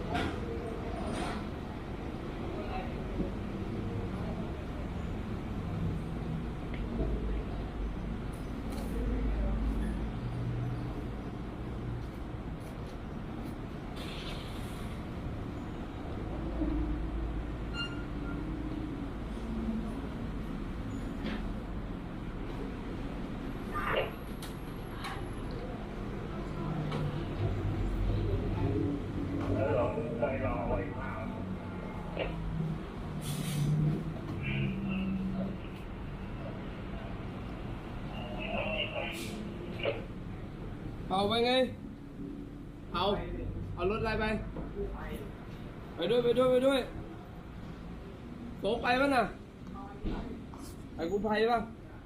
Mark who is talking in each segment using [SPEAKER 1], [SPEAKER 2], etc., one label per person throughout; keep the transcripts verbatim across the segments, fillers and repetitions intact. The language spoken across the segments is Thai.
[SPEAKER 1] เอาไปไงเอาเอารถอะไรไปไปด้วยไปด้วยไปด้วยโตไปป่ะน่ะไปกู้ภัยป่ะ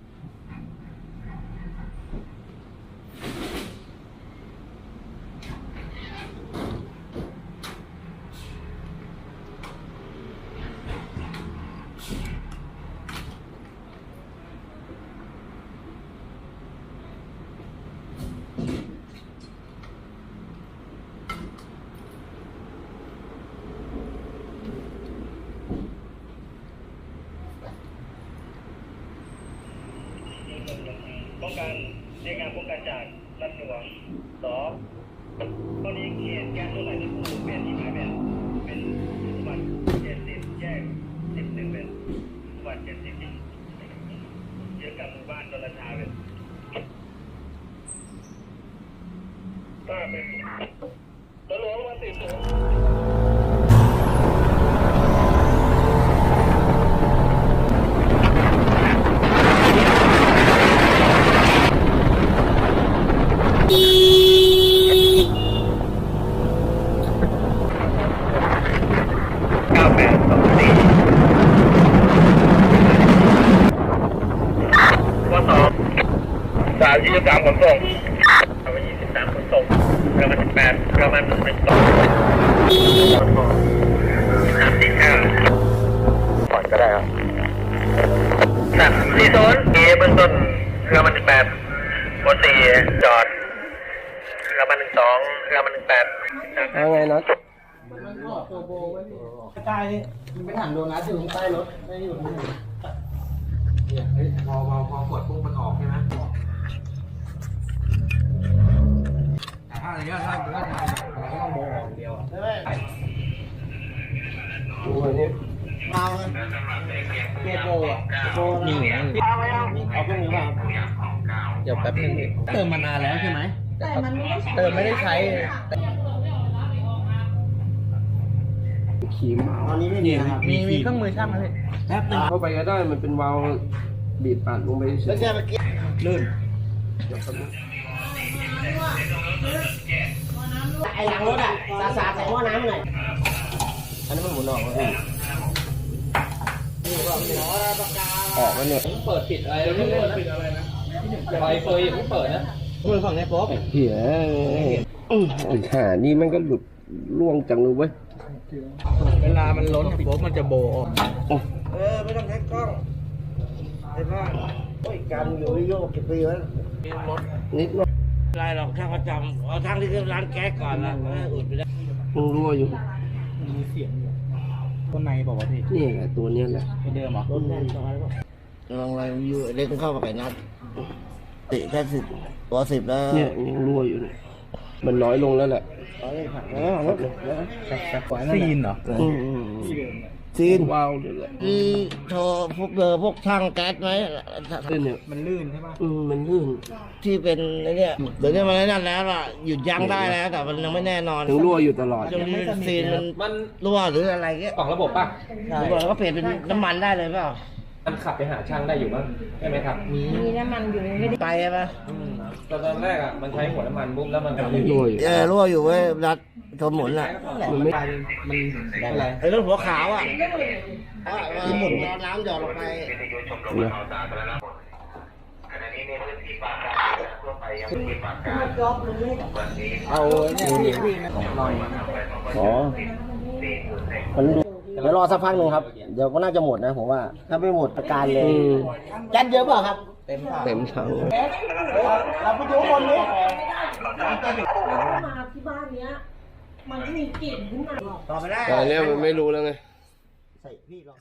[SPEAKER 2] ป้องกันในการป้องกันจากรัฐหน่วงสองตอนนี้เขตแก๊สตัวไหนที่ผู้เปลี่ยนที่หมายเป็นเป็นสุวรรณเจ็ดสิบแยกสิบหนึ่งเป็นสุวรรณเจ็ดสิบเยอะกับหมู่บ้านดอนราชาเป็นก็เป็นตัวหลวงวันสิบสองสามยี่สิบสามขนส่งเอาไปยี่สิบสามขนส่งเรือมันสิบแปดเรือมันเป็นสองสามสี่ห้าปล่อยก็ได้ครับสามสี่โซนเอเบื้องต้นเรือมันสิบแปดบนสี่จอดเรือมันหนึ่งสองเรือมันหนึ่งแปด
[SPEAKER 1] เอาไงนะ
[SPEAKER 3] มันออกตัวโบไว้ที่ใต้มันเป็นถังโดนัทอยู่ใต้รถไม่อยู่ที่ไหนเนี่ยพอพอพอกดปุ๊บมันออกใช่ไหมแต่ถ้าอะไรเงี้ยถ้าถ้าทำเราก็ต้องโบออกเดียวใช่ไหม
[SPEAKER 1] ดูอันนี้
[SPEAKER 3] เอาเลยเกตโบอ่ะโบนี่ไงเอาเครื่องนี้มาเดี๋ยวแป๊บนึงเติมมานานแล้วใช่ไหมแต่มันไม่ได้เติมไม่ได้ใช้
[SPEAKER 1] ขีม
[SPEAKER 3] ตอนนี้ไม่มีครับมีมีเครื่องมือช่างเลยแป๊บนึง
[SPEAKER 1] เข้าไปก็ได้มันเป็นวาล์วบีบอัดลงไปเฉย
[SPEAKER 3] แล้วแค่เมื่อกี้ลื่นไอ้หลังรถอ่ะสาสาใส่หม้อน้ำหน่อยอันนี้มันหมุนออกแล้วพี่
[SPEAKER 1] ออกแล้วเนี่ย
[SPEAKER 3] เปิดปิดอะไรไม่เปิดปิดอะไรนะไฟเฟยยังไม่เปิดนะเปิดฝั่งไหนป๊อป
[SPEAKER 1] เหี้ยอันหานี่มันก็หลุดล่วงจังเลยเว้ย
[SPEAKER 3] เวลามันล้นโป๊บมันจะโบออกเออไม่ต้องใช้กล้องไอ้บ้านโอ้ยการอยู่โยกกี่ปีแล้วรถ
[SPEAKER 1] นิดหน่อย
[SPEAKER 3] ไรหรอกช่างประจำเอาทางที่คือร้านแก๊สก่อนนะอุดไปได้
[SPEAKER 1] มันรั่วอยู่
[SPEAKER 3] มีเสียงอยู่ต้นในบอกว่าพี่
[SPEAKER 1] นี่แหละตัวนี้แหละ
[SPEAKER 3] ตัวเดิมเหรอต้นแน่นตรงนั้นลองอะไรอยู่เล่นเข้ามาไก่นัดติแค่สิบตัวสิบแล้ว
[SPEAKER 1] เนี่ยยังรั่วอยู่เนี่ยมันน้อยลงแล้วแหละ
[SPEAKER 3] ซีนเหรอ
[SPEAKER 1] ซีนวาวเลยแหละ
[SPEAKER 3] อืมโทรพวกเบอร์พวกช่างแก๊สไหม
[SPEAKER 1] เนี่ย
[SPEAKER 3] มันลื่นใช่ป่ะ
[SPEAKER 1] อืมมันลื่น
[SPEAKER 3] ที่เป็นไอ้นี่เดี๋ยวนี้มันนั่นแล้วล่ะหยุดยั้งได้แล้วแต่มันยังไม่แน่นอน
[SPEAKER 1] ถึงรั่วอยู่ตลอด
[SPEAKER 3] ยังมีซีนมันรั่วหรืออะไรเงี้ย
[SPEAKER 4] ออกระบบป่ะ
[SPEAKER 3] รั่วแล้วก็เปลี่ยนเป็นน้ำมันได้เลยเปล่า
[SPEAKER 4] มันขับไปหาช่างได้อยู่บ้างใช่ไหมครับ
[SPEAKER 3] มี
[SPEAKER 5] มีน้ำมันอยู่ไม่ได้
[SPEAKER 3] ไปใช่ไหม
[SPEAKER 4] ตอนแรกอ่ะมันใช้หัวน้ำมันปุ๊บแล้วมัน
[SPEAKER 1] รั่วอยู่
[SPEAKER 3] เออรั่วอยู่เว้ยรัดทนหมุนอ่ะ
[SPEAKER 1] มันไม่
[SPEAKER 4] มันอะไร
[SPEAKER 3] ไอ้รถหัวขาวอ่ะหมุนน้ำหยอดลงไปเอาเนี่ยหน่อย
[SPEAKER 1] อ๋อมันเดี๋ยวรอสักพักหนึ่งครับเดี๋ยวก็น่าจะหมดนะผมว่าถ้าไม่หมดอาการเลย
[SPEAKER 3] แก๊สเยอะเปล่าครับ
[SPEAKER 1] เต็มถังเต็มถัง
[SPEAKER 3] เราไปดูคนนี้
[SPEAKER 5] มาที่บ้านเนี้ยมันก็มีกลิ่นขึ้นมา
[SPEAKER 3] ต่อไม่ได้
[SPEAKER 1] แต่อันเนี้ยมันไม่รู้แล้วไง
[SPEAKER 3] ใส่พี่ลอง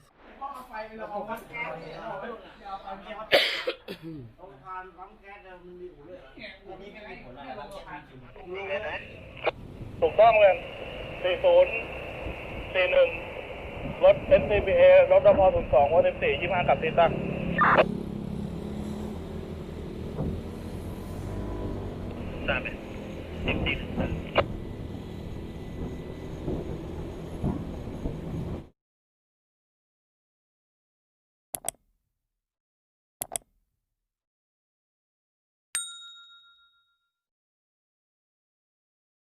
[SPEAKER 2] ถูกต้องเลยสี่ศูนย์สี่หนึ่งรถ เอส ซี บี เอ รถดพศูนย์สองวันสิบสี่ยี่ห้ากับติดตั้งสามสิบสิบ